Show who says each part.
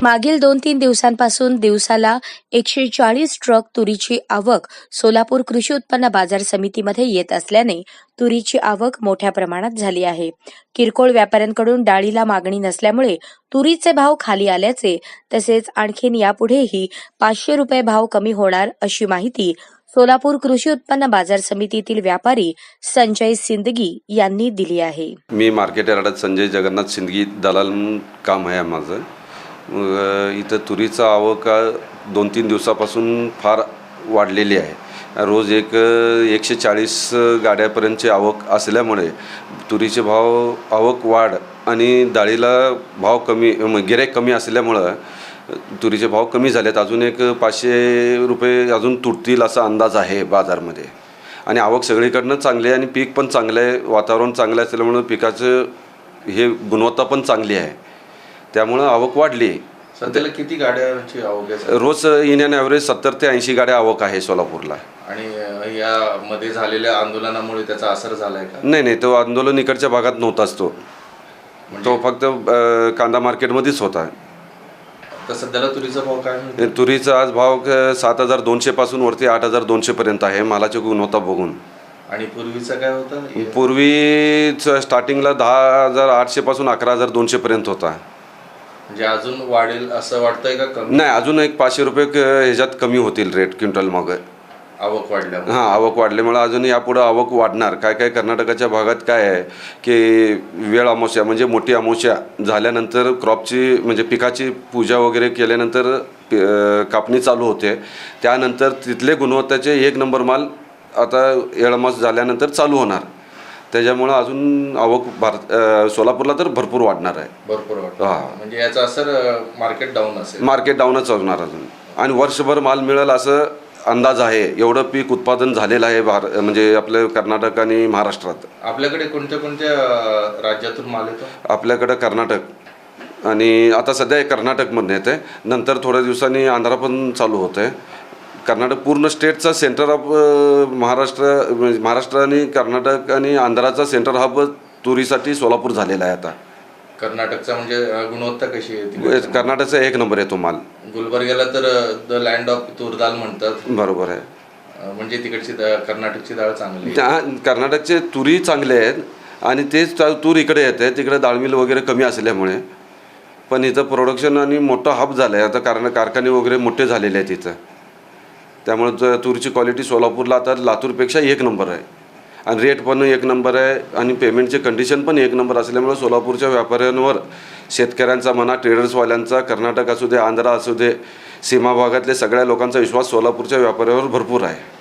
Speaker 1: मागील 2-3 दिवसांपासून दिवसाला 140 ट्रक तुरीची आवक सोलापूर कृषी उत्पन्न बाजार समितीमध्ये येत असल्याने तुरीची आवक मोठ्या प्रमाणात झाली आहे. किरकोळ व्यापाऱ्यांकडून डाळीला मागणी नसल्यामुळे तुरीचे भाव खाली आल्याचे तसेच आणखीन यापुढेही 500 रुपये भाव कमी होणार अशी माहिती सोलापूर कृषी उत्पन्न बाजार समितीतील व्यापारी संजय सिंदगी यांनी दिली आहे.
Speaker 2: मी मार्केट यार्डात संजय जगन्नाथ सिंदगी दलाल काम आहे माझं. इथं तुरीचा आवक 2-3 दिवसापासून फार वाढलेली आहे. रोज 140 गाड्यापर्यंतची आवक असल्यामुळे तुरीचे आवक वाढ आणि डाळीला भाव कमी गिऱ्हाईक कमी असल्यामुळं तुरीचे भाव कमी झालेत. अजून 500 रुपये अजून तुटतील असा अंदाज आहे बाजारमध्ये. आणि आवक सगळीकडनं चांगली आहे आणि पीक पण चांगलं आहे. वातावरण चांगलं असल्यामुळं पिकाचं गुणवत्ता पण चांगली आहे, त्यामुळं आवक वाढली.
Speaker 3: सध्याला किती गाड्यांची आवक आहे?
Speaker 2: रोज इन अँड ॲव्हरेज 70 ते 80 गाड्या आवक आहे सोलापूरला.
Speaker 3: आणि यामध्ये झालेल्या आंदोलनामुळे त्याचा असर झाला आहे का?
Speaker 2: नाही, तो आंदोलन इकडच्या भागात नव्हताच. तो फक्त कांदा मार्केटमध्येच होता.
Speaker 3: तर सध्याला तुरीचा भाव काय?
Speaker 2: तुरीचा आज भाव 7,200 पासून वरती 8,200 पर्यंत आहे मालाची गुणवत्ता बघून.
Speaker 3: आणि पूर्वीचा काय होता?
Speaker 2: पूर्वी स्टार्टिंगला 10,800 पासून 11,200 पर्यंत होता.
Speaker 3: म्हणजे अजून वाढेल असं वाटतंय का? कमी
Speaker 2: नाही, अजून 500 रुपये ह्याच्यात कमी होतील रेट क्विंटल मागं.
Speaker 3: आवक वाढल्यामुळे?
Speaker 2: हां, आवक वाढल्यामुळे अजून यापुढं आवक वाढणार. काय कर्नाटकाच्या भागात काय आहे की वेळ अमावस्या म्हणजे मोठी अमावस्या झाल्यानंतर क्रॉपची म्हणजे पिकाची पूजा वगैरे केल्यानंतर कापणी चालू होते. त्यानंतर तिथले गुणवत्ताचे 1 नंबर माल आता येळमास झाल्यानंतर चालू होणार. त्याच्यामुळं अजून आवक सोलापूरला तर भरपूर वाढणार आहे.
Speaker 3: भरपूर वाढणार.
Speaker 2: हां,
Speaker 3: म्हणजे याचा असर मार्केट डाऊन असेल?
Speaker 2: मार्केट डाऊनच होणार अजून. आणि वर्षभर माल मिळेल असं अंदाज आहे. एवढं पीक उत्पादन झालेलं आहे म्हणजे आपलं कर्नाटक आणि महाराष्ट्रात.
Speaker 3: आपल्याकडे कोणत्या राज्यातून माल येतो? आपल्याकडं
Speaker 2: कर्नाटक आणि आता सध्या कर्नाटकमधून येते. नंतर थोड्या दिवसांनी आंध्रा पण चालू होतं आहे. कर्नाटक पूर्ण स्टेटचा सेंटर ऑफ महाराष्ट्र आणि कर्नाटक आणि आंध्राचा सेंटर हब तुरीसाठी सोलापूर झालेला आहे आता.
Speaker 3: कर्नाटकचा म्हणजे गुणवत्ता कशी आहे?
Speaker 2: कर्नाटकचा 1 नंबर येतो माल.
Speaker 3: गुलबर्ग्याला तर द लँड ऑफ तूर दाल म्हणतात.
Speaker 2: बरोबर आहे.
Speaker 3: म्हणजे तिकडची कर्नाटकची डाळ चांगली आहे.
Speaker 2: त्या कर्नाटकचे तुरी चांगले आहेत आणि तेच तूर इकडे येते. तिकडे डाळ मिल वगैरे कमी असल्यामुळे. पण इथं प्रोडक्शन आणि मोठा हब झालं आहे आता. कारखाने वगैरे मोठे झालेले आहेत इथं. त्यामुळे तुरीची क्वालिटी सोलापूरला आता लातूरपेक्षा 1 नंबर आहे. आणि रेट पण 1 नंबर आहे आणि पेमेंटचे कंडिशन पण 1 नंबर असल्यामुळे सोलापूरच्या व्यापाऱ्यांवर, शेतकऱ्यांचा म्हणा, ट्रेडर्सवाल्यांचा, कर्नाटक असू दे, आंध्रा असू दे, सीमा भागातले सगळ्या लोकांचा विश्वास सोलापूरच्या व्यापाऱ्यावर भरपूर आहे.